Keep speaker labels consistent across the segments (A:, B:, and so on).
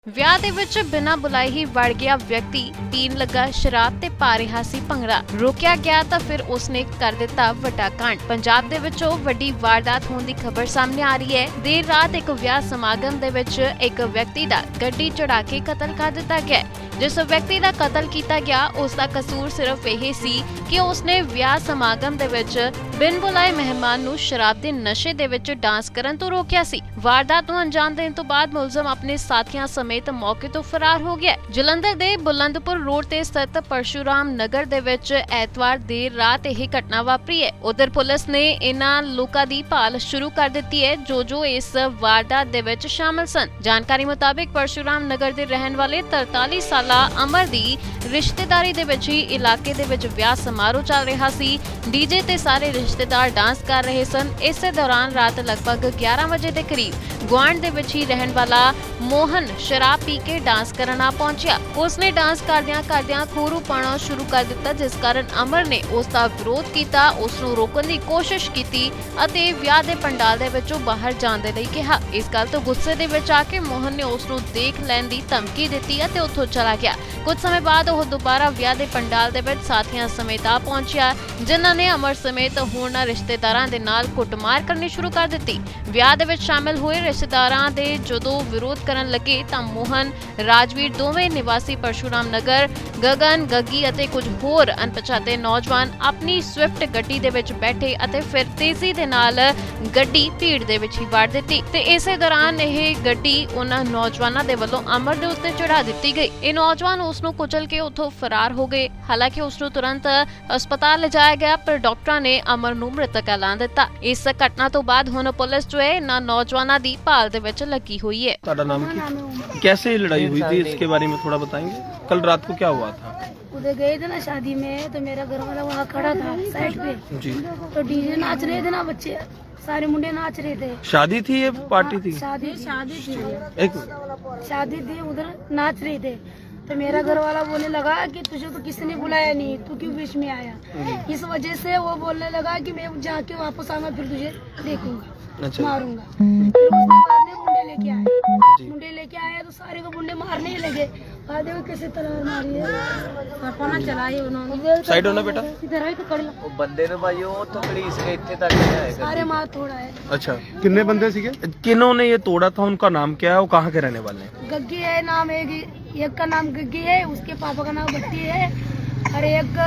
A: ਵਿਆਹ ਦੇ ਵਿੱਚ ਬਿਨਾਂ ਬੁਲਾਏ ਹੀ ਵੜ ਗਿਆ ਵਿਅਕਤੀ, ਪੀਣ ਲੱਗਾ ਸ਼ਰਾਬ ਤੇ ਪਾ ਰਿਹਾ ਸੀ ਭੰਗੜਾ। ਰੋਕਿਆ ਗਿਆ ਤਾਂ ਫਿਰ ਉਸਨੇ ਕਰ ਦਿੱਤਾ ਵੱਡਾ ਕਾਂਡ। ਪੰਜਾਬ ਦੇ ਵਿੱਚੋਂ ਵੱਡੀ ਵਾਰਦਾਤ ਹੋਣ ਦੀ ਖਬਰ ਸਾਹਮਣੇ ਆ ਰਹੀ ਹੈ। ਦੇਰ ਰਾਤ ਇੱਕ ਵਿਆਹ ਸਮਾਗਮ ਦੇ ਵਿੱਚ ਇੱਕ ਵਿਅਕਤੀ ਦਾ ਗੱਡੀ ਚੜਾ ਕੇ ਕਤਲ ਕਰ ਦਿੱਤਾ ਗਿਆ। ਜਿਸ ਵਿਅਕਤੀ ਦਾ ਕਤਲ ਕੀਤਾ ਗਿਆ ਉਸ ਦਾ ਕਸੂਰ ਸਿਰਫ ਇਹ ਸੀ ਕਿ ਉਸਨੇ ਵਿਆਹ ਸਮਾਗਮ ਦੇ ਵਿੱਚ ਬਿਨ ਬੁਲਾਏ ਮਹਿਮਾਨ ਨੂੰ ਸ਼ਰਾਬ ਦੇ ਨਸ਼ੇ ਦੇ ਵਿੱਚ ਡਾਂਸ ਕਰਨ ਤੋਂ ਰੋਕਿਆ ਸੀ। ਵਾਰਦਾਤ ਨੂੰ ਅੰਜਾਮ ਦੇਣ ਤੋਂ ਬਾਅਦ ਮੁਲਜ਼ਮ ਆਪਣੇ ਸਾਥੀਆਂ ਸਮੇਤ ਮੌਕੇ ਤੋਂ ਫਰਾਰ ਹੋ ਗਿਆ। ਜਲੰਧਰ ਦੇ ਬੁਲੰਦਪੁਰ ਰੋਡ ਤੇ ਸਥਿਤ ਪਰਸ਼ੂਰਾਮ ਨਗਰ ਦੇ ਵਿੱਚ ਐਤਵਾਰ ਦੇਰ ਰਾਤ ਇਹ ਘਟਨਾ ਵਾਪਰੀ ਹੈ। ਉਧਰ ਪੁਲਿਸ ਨੇ ਇਹਨਾਂ ਲੋਕਾਂ ਦੀ ਭਾਲ ਸ਼ੁਰੂ ਕਰ ਦਿੱਤੀ ਹੈ ਜੋ ਇਸ ਵਾਰਦਾਤ ਦੇ ਵਿੱਚ ਸ਼ਾਮਲ ਸਨ। ਜਾਣਕਾਰੀ ਮੁਤਾਬਿਕ ਪਰਸ਼ੂਰਾਮ ਨਗਰ ਦੇ ਰਹਿਣ ਵਾਲੇ 43 ਸਾਲਾ ਅਮਰ ਦੀ ਰਿਸ਼ਤੇਦਾਰੀ ਦੇ ਵਿੱਚ ਹੀ ਇਲਾਕੇ ਦੇ ਵਿੱਚ ਵਿਆਹ ਸਮਾਰੋਹ ਚੱਲ ਰਿਹਾ ਸੀ। ਡੀਜੇ ਤੇ ਸਾਰੇ ਰਿਸ਼ਤੇਦਾਰ ਡਾਂਸ ਕਰ ਰਹੇ ਸਨ। ਇਸੇ ਦੌਰਾਨ ਰਾਤ ਲਗਭਗ 11 ਵਜੇ ਦੇ ਕਰੀਬ ਗੁਆਂਢ ਦੇ ਵਿੱਚ ਹੀ ਰਹਿਣ ਵਾਲਾ ਮੋਹਨ ਸ਼ਰਾਬ ਪੀ ਕੇ ਡਾਂਸ ਕਰਨ ਆ ਪਹੁੰਚਿਆ। ਉਸਨੇ ਡਾਂਸ ਕਰਦਿਆਂ ਖੋਰੂ ਪਾਉਣਾ ਸ਼ੁਰੂ ਕਰ ਦਿੱਤਾ, ਜਿਸ ਕਾਰਨ ਅਮਰ ਨੇ ਉਸ ਦਾ ਵਿਰੋਧ ਕੀਤਾ, ਉਸ ਨੂੰ ਰੋਕਣ ਦੀ ਕੋਸ਼ਿਸ਼ ਕੀਤੀ ਅਤੇ ਵਿਆਹ ਦੇ ਪੰਡਾਲ ਦੇ ਵਿੱਚੋਂ ਬਾਹਰ ਜਾਣ ਦੇ ਲਈ ਕਿਹਾ। ਇਸ ਗੱਲ ਤੋਂ ਗੁੱਸੇ ਦੇ ਵਿੱਚ ਆ ਕੇ ਮੋਹਨ ਨੇ ਉਸ ਨੂੰ ਦੇਖ ਲੈਣ ਦੀ ਧਮਕੀ ਦਿੱਤੀ ਅਤੇ ਉੱਥੋਂ ਚਲਾ ਗਿਆ। ਕੁਝ ਸਮੇਂ ਬਾਅਦ ਉਹ ਦੁਬਾਰਾ ਵਿਆਹ ਦੇ ਪੰਡਾਲ ਦੇ ਵਿੱਚ ਸਾਥੀਆਂ ਸਮੇਤ ਆ ਪਹੁੰਚਿਆ, ਜਿਨ੍ਹਾਂ ਨੇ ਅਮਰ ਸਮੇਤ ਹੋਰਨਾਂ ਰਿਸ਼ਤੇਦਾਰਾਂ ਦੇ ਨਾਲ ਕੁੱਟਮਾਰ ਕਰਨੀ ਸ਼ੁਰੂ ਕਰ ਦਿੱਤੀ। ਵਿਆਹ ਦੇ ਵਿੱਚ ਸ਼ਾਮਿਲ ਹੋਏ ਰਿਸ਼ਤੇਦਾਰਾਂ ਦੇ ਜਦੋਂ ਵਿਰੋਧ ਕਰਨ ਲੱਗੇ ਤਾਂ ਮੋਹਨ, ਰਾਜਵੀਰ ਦੋਵੇਂ ਨਿਵਾਸੀ ਪਰਸ਼ੂਰਾਮ ਨਗਰ, ਗਗਨ, ਗੱਗੀ ਅਤੇ ਕੁਝ ਹੋਰ ਅਣਪਛਾਤੇ ਨੌਜਵਾਨ ਆਪਣੀ ਸਵਿਫਟ ਗੱਡੀ ਦੇ ਵਿੱਚ ਬੈਠੇ ਅਤੇ ਫਿਰ ਤੇਜ਼ੀ ਦੇ ਨਾਲ ਗੱਡੀ ਭੀੜ ਦੇ ਵਿੱਚ ਹੀ ਵਾੜ ਦਿੱਤੀ ਤੇ ਇਸੇ ਦੌਰਾਨ ਇਹ ਗੱਡੀ ਉਹਨਾਂ ਨੌਜਵਾਨਾਂ ਦੇ ਵੱਲੋਂ ਅਮਰ ਦੇ ਉੱਤੇ ਚੜਾ ਦਿੱਤੀ ਗਈ। ਇਹ ਨੌਜਵਾਨ ਉਸ ਨੂੰ ਕੁਚਲ ਕੇ ਉੱਥੋਂ ਫਰਾਰ ਹੋ ਗਏ। ਹਾਲਾਂਕਿ ਉਸ ਨੂੰ ਤੁਰੰਤ ਹਸਪਤਾਲ ਲਿਜਾਇਆ ਗਿਆ, ਪਰ ਡਾਕਟਰਾਂ ਨੇ ਅਮਰ ਨੂੰ ਮ੍ਰਿਤਕ ਐਲਾਨ ਦਿੱਤਾ। ਇਸ ਘਟਨਾ ਤੋਂ ਬਾਅਦ ਹੁਣ ਪੁਲਿਸ ਜੋ ਹੈ ਇਹਨਾਂ ਨੌਜਵਾਨਾਂ ਦੀ ਭਾਲ ਦੇ ਵਿੱਚ ਲੱਗੀ हुई है।
B: ਤੁਹਾਡਾ ਨਾਮ ਕੀ? कैसे लड़ाई हुई थी, इसके बारे में थोड़ा बताएंगे? कल रात को क्या हुआ था?
C: उधर गए थे ना शादी में, तो मेरा घर वाला वहाँ खड़ा था साइड पे।
B: जी।
C: तो डीजे नाच रहे थे ना, बच्चे सारे मुंडे नाच रहे थे।
B: शादी थी ये पार्टी थी?
C: शादी थी
B: एक
C: शादी थी, उधर नाच रहे थे। तो मेरा घर वाला बोलने लगा कि तुझे तो किसी ने बुलाया नहीं, तू क्यों बीच में आया। इस वजह से वो बोलने लगा कि मैं जाके वापस आऊंगा, फिर तुझे देखूंगा,
B: अच्छा।
C: मारूंगा। फिर उसके बाद में मुंडे लेके आए। मुंडे लेके आए तो सारे को मुंडे मारने ही लगे। बाद में कैसे तलवार मारी है, पाना चलाई उन्होंने।
B: साइड होना बेटा।
C: इधर आई तो कड़ी
D: ਉਹ ਬੰਦੇ ਨੂੰ ਭਾਈ ਉਹ ਉੱਥੋਂ ਘੜੀਸ ਕੇ ਇੱਥੇ ਤੱਕ ਲਿਆਏ
C: सारे मार थोड़ा है।
B: अच्छा, कितने बंदे सीगे? किन्होंने ये तोड़ा था, उनका नाम क्या है, वो कहाँ के रहने वाले हैं?
C: गग्गी है नाम, एक का नाम गग्गी है, उसके पापा का नाम भट्टी है, और एक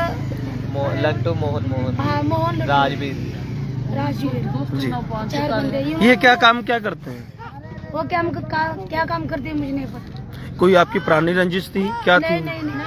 D: लट्टू मोहन
C: हाँ मोहन
D: राजवीर
C: राजवीर।
B: जी।
C: 4 बंदे।
B: ये क्या काम क्या करते हैं?
C: वो क्या काम करते हैं मुझे नहीं पता।
B: कोई आपकी पुरानी रंजिश थी क्या थी?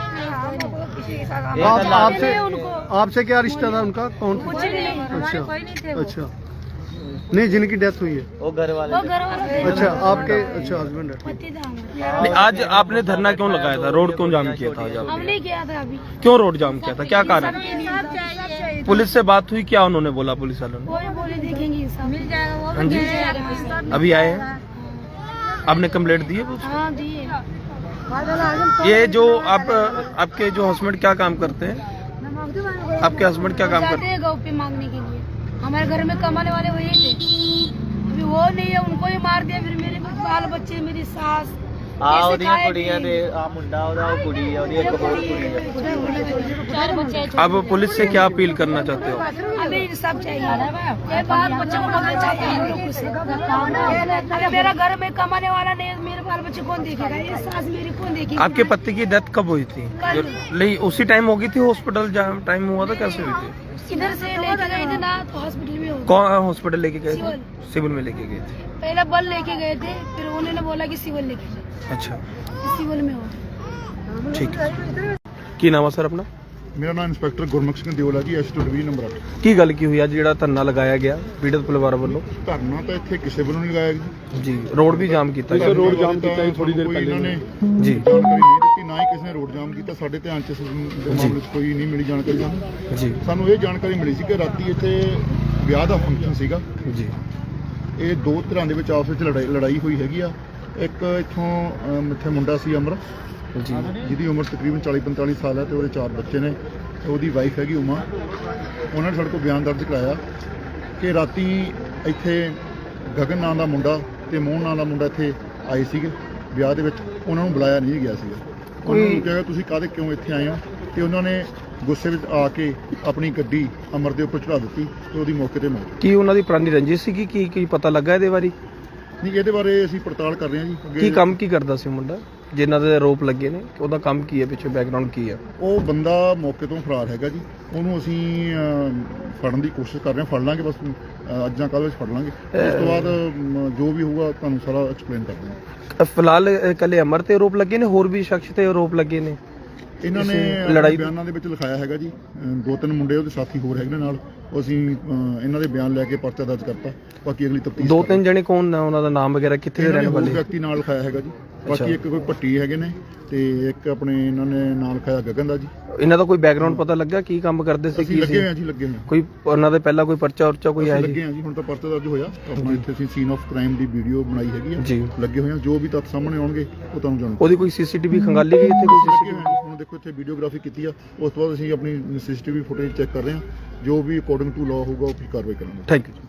E: आपसे क्या रिश्ता था उनका? कौन?
C: कुछ भी नहीं,
E: अच्छा।
C: कोई नहीं थे वो।
E: अच्छा, नहीं जिनकी डेथ हुई है।
D: वो घर
C: वो
D: वाले
C: घर वाला थे।
E: अच्छा, आपके अच्छा हस्बैंड है।
C: पति था हमारा।
B: नहीं, आज आपने धरना क्यों लगाया था, रोड क्यों जाम किया था आज आपने?
C: हमने किया था अभी।
B: क्यों रोड जाम किया था, क्या कारण?
C: सब चाहिए।
B: पुलिस से बात हुई, क्या उन्होंने बोला पुलिस वालों ने?
C: वो भी बोले देखेंगे, सब मिल जाएगा। वो
B: हाँ जी।
C: मिल जाएगा।
B: अभी आए हैं? आपने कंप्लेंट दी है?
C: हाँ दिए।
B: ये जो आपके जो हस्बैंड क्या काम करते हैं? आपके हस्बैंड क्या काम करते
C: जाते हैं गौ पे मांगने के लिए। हमारे घर में कमाने वाले वही थे। अभी वो नहीं है, उनको ही मार दिया। फिर मेरे बाल बच्चे, मेरी सास
D: ਆ ਉਹਦੀਆਂ ਕੁੜੀਆਂ ਦੇ ਆ ਮੁੰਡਾ ਉਹਦਾ ਉਹ ਕੁੜੀ ਆ ਉਹਦੀ ਇੱਕ ਹੋਰ ਕੁੜੀ ਆ।
C: 4 बच्चे।
B: अब पुलिस से क्या अपील करना चाहते हो?
C: हमें इंसाफ चाहिए। ये बाल बच्चों को पकड़ना चाहिए हम लोग से। अरे मेरा घर में कमाने वाला नहीं है, मेरे बाल बच्चे कौन देखेगा? ये सास मेरी कौन देखेगी?
B: आपके पति की डेथ कब हुई थी?
C: कल।
B: नहीं, उसी टाइम हो गई थी हॉस्पिटल टाइम हुआ था, कैसे हुई थी?
C: इधर से लेके गए थे ना, तो हॉस्पिटल में हो गए।
B: कौन हॉस्पिटल लेके गए थे?
C: सिविल।
B: सिविल में लेके गए थे।
C: पहले बल लेके गए थे, फिर उन्होंने बोला कि सिविल लेके जाओ।
B: अच्छा,
C: सिविल में हो।
B: ठीक है। ਕੀ ਨਾਮ ਆ ਸਰ ਆਪਣਾ?
E: ਮੇਰਾ ਨਾਮ ਇੰਸਪੈਕਟਰ ਗੁਰਮੁਖ ਸਿੰਘ ਦਿਓਲਾ ਜੀ, ਐਸਟੋ ਡਿਵੀਜ਼ਨ ਨੰਬਰ 8।
B: ਕੀ ਗੱਲ ਕੀ ਹੋਈ ਅੱਜ ਜਿਹੜਾ ਧਰਨਾ ਲਗਾਇਆ ਗਿਆ ਪੀੜਤ ਪਰਿਵਾਰ ਵੱਲੋਂ?
E: ਧਰਨਾ ਤਾਂ ਇੱਥੇ ਕਿਸੇ ਵੱਲੋਂ ਨਹੀਂ ਲਗਾਇਆ ਜੀ।
B: ਜੀ, ਰੋਡ ਵੀ ਜਾਮ ਕੀਤਾ ਗਿਆ।
E: ਰੋਡ ਜਾਮ ਕੀਤਾ ਥੋੜੀ ਦੇਰ ਪਹਿਲੇ ਇਹਨਾਂ ਨੇ
B: ਜੀ,
E: ਜਾਣਕਾਰੀ ਨਹੀਂ ਦਿੱਤੀ, ਨਾ ਹੀ ਕਿਸੇ ਨੇ ਰੋਡ ਜਾਮ ਕੀਤਾ। ਸਾਡੇ ਧਿਆਨ 'ਚ ਇਸ ਮਾਮਲੇ 'ਚ ਕੋਈ ਨਹੀਂ ਮਿਲੀ ਜਾਣਕਾਰੀ ਸਾਨੂੰ।
B: ਜੀ,
E: ਸਾਨੂੰ ਇਹ ਜਾਣਕਾਰੀ ਮਿਲੀ ਸੀ ਕਿ ਰਾਤੀ ਇੱਥੇ ਵਿਆਹ ਦਾ ਫੰਕਸ਼ਨ ਸੀਗਾ।
B: ਜੀ,
E: ਇਹ ਦੋ ਧਿਰਾਂ ਦੇ ਵਿੱਚ ਆਪਸ ਵਿੱਚ ਲੜਾਈ ਹੋਈ ਹੈਗੀ ਆ। ਇੱਕ ਇੱਥੋਂ ਇੱਥੇ ਮੁੰਡਾ ਸੀ ਅਮਰ,
B: ਜੀ,
E: ਜਿਹਦੀ ਉਮਰ ਤਕਰੀਬਨ 40-45 ਸਾਲ ਹੈ, ਤੇ ਉਹਦੇ 4 ਬੱਚੇ ਨੇ। ਉਹਦੀ ਵਾਈਫ ਹੈਗੀ ਉਮਾ। ਉਹਨਾਂ ਨੇ ਸਾਡੇ ਕੋਲ ਬਿਆਨ ਦਰਜ ਕਰਾਇਆ ਕਿ ਰਾਤੀ ਇੱਥੇ ਗਗਨ ਨਾਂ ਦਾ ਮੁੰਡਾ ਤੇ ਮੋਹਨ ਨਾਂ ਦਾ ਮੁੰਡਾ ਇੱਥੇ ਆਏ ਸੀਗੇ ਵਿਆਹ ਦੇ ਵਿੱਚ। ਉਹਨਾਂ ਨੂੰ ਬੁਲਾਇਆ ਨਹੀਂ ਗਿਆ ਸੀਗਾ। ਉਹਨਾਂ ਨੂੰ ਕਿਹਾ ਤੁਸੀਂ ਕਾਹਦੇ ਕਿਉਂ ਇੱਥੇ ਆਏ ਹੋ, ਤੇ ਉਹਨਾਂ ਨੇ ਗੁੱਸੇ ਵਿੱਚ ਆ ਕੇ ਆਪਣੀ ਗੱਡੀ ਅਮਰ ਦੇ ਉੱਪਰ ਚੜਾ ਦਿੱਤੀ ਤੇ ਉਹਦੀ ਮੌਕੇ ਤੇ ਮੌਤ।
B: ਕੀ ਉਹਨਾਂ ਦੀ ਪੁਰਾਣੀ ਰੰਜਿਸ਼ ਸੀਗੀ? ਕੀ ਪਤਾ ਲੱਗਾ ਇਹਦੇ ਬਾਰੇ?
E: ਨਹੀਂ, ਇਹਦੇ ਬਾਰੇ ਅਸੀਂ ਪੜਤਾਲ ਕਰ ਰਹੇ ਹਾਂ ਜੀ।
B: ਕੀ ਕੰਮ ਕੀ ਕਰਦਾ ਸੀ ਮੁੰਡਾ ਜਿਨ੍ਹਾਂ ਦੇ ਆਰੋਪ ਲੱਗੇ ਨੇ? ਉਹਦਾ ਕੰਮ ਕੀ ਹੈ, ਪਿੱਛੇ ਬੈਕਗ੍ਰਾਉਂਡ ਕੀ ਹੈ?
E: ਉਹ ਬੰਦਾ ਮੌਕੇ ਤੋਂ ਫਰਾਰ ਹੈਗਾ ਜੀ। ਉਹਨੂੰ ਅਸੀਂ ਫੜਨ ਦੀ ਕੋਸ਼ਿਸ਼ ਕਰ ਰਹੇ ਹਾਂ। ਫੜ ਲਾਂਗੇ ਬਸ, ਅੱਜ ਜਾਂ ਕੱਲ੍ਹ ਵਿੱਚ ਫੜ ਲਾਂਗੇ। ਉਸ ਤੋਂ ਬਾਅਦ ਜੋ ਵੀ ਹੋਊਗਾ ਤੁਹਾਨੂੰ ਸਾਰਾ ਐਕਸਪਲੇਨ ਕਰ ਦਿੰਦੇ।
B: ਫਿਲਹਾਲ ਇਕੱਲੇ ਅਮਰ ਤੇ ਆਰੋਪ ਲੱਗੇ ਨੇ, ਹੋਰ ਵੀ ਸ਼ਖਸ ਤੇ ਆਰੋਪ ਲੱਗੇ ਨੇ?
E: ਇਹਨਾਂ ਨੇ
B: ਲੜਾਈ
E: ਬਿਆਨਾਂ ਦੇ ਵਿੱਚ ਲਿਖਾਇਆ ਹੈਗਾ ਜੀ। 2-3 ਮੁੰਡੇ ਉਹਦੇ ਸਾਥੀ ਹੋਰ ਹੈਗੇ ਨੇ ਨਾਲ। ਅਸੀਂ ਇਹਨਾਂ ਦੇ ਬਿਆਨ ਲੈ ਕੇ ਪਰਚਾ ਦਰਜ ਕਰਤਾ। ਬਾਕੀ ਅਗਲੀ ਤਫਤੀਸ਼।
B: 2-3 ਜਣੇ ਕੌਣ ਨੇ, ਉਹਨਾਂ ਦਾ ਨਾਮ ਵਗੈਰਾ, ਕਿੱਥੇ ਦੇ ਰਹਿਣ ਵਾਲੇ?
E: ਵਿਅਕਤੀ ਨਾਲ ਲਿਖਾਇਆ ਹੈਗਾ ਜੀ। ਬਾਕੀ ਇੱਕ ਕੋਈ ਭੱਟੀ ਹੈਗੇ ਨੇ ਤੇ ਇੱਕ ਆਪਣੇ ਇਹਨਾਂ ਨੇ ਨਾਲ ਲਿਖਾਇਆ ਗਗਨ ਦਾ ਜੀ।
B: ਇਹਨਾਂ ਦਾ ਕੋਈ ਬੈਕਗ੍ਰਾਉਂਡ ਪਤਾ ਲੱਗਾ? ਕੀ ਕੰਮ ਕਰਦੇ ਸੀ?
E: ਅਸੀਂ
B: ਕੀ
E: ਲੱਗੇ
B: ਸੀ?
E: ਹੋਏ ਹਾਂ ਜੀ, ਲੱਗੇ ਹੋਏ ਹਾਂ।
B: ਕੋਈ ਉਹਨਾਂ ਦੇ ਪਹਿਲਾਂ ਕੋਈ ਪਰਚਾ ਉਰਚਾ ਕੋਈ ਹੈ
E: ਲੱਗੇ
B: ਜੀ?
E: ਹਾਂ ਜੀ, ਹੁਣ ਤਾਂ ਪਰਚਾ ਦਰਜ ਹੋਇਆ। ਆਪਣਾ ਇੱਥੇ ਅਸੀਂ ਸੀਨ ਆਫ ਕ੍ਰਾਈਮ ਦੀ ਵੀਡੀਓ ਬਣਾਈ ਹੈਗੀ ਆ
B: ਜੀ।
E: ਲੱਗੇ ਹੋਏ ਹਾਂ। ਜੋ ਵੀ ਤੱਥ ਸਾਹਮਣੇ ਆਉਣਗੇ ਉਹ ਤੁਹਾਨੂੰ ਜਾਣੂ।
B: ਉਹਦੀ ਕੋਈ ਸੀਸੀਟੀਵੀ ਖੰਗਾਲੀ ਗਈ ਇੱਥੇ? ਕੋਈ
E: ਲੱਗੇ
B: ਸੀਸੀਟੀਵੀ?
E: ਹੋਏ ਹਾਂ ਜੀ। ਹੁਣ ਦੇਖੋ ਇੱਥੇ ਵੀਡੀਓਗ੍ਰਾਫੀ ਕੀਤੀ ਆ, ਉਸ ਤੋਂ ਬਾਅਦ ਅਸੀਂ ਆਪਣੀ ਸੀਸੀਟੀਵੀ ਫੁਟੇਜ ਚੈੱਕ ਕਰ ਰਹੇ ਹਾਂ। ਜੋ ਵੀ ਅਕੋਰਡਿੰਗ ਟੂ ਲਾਅ ਹੋਊਗਾ ਉਹ ਕਾਰਵਾਈ ਕਰਾਂਗੇ।
B: Thank you.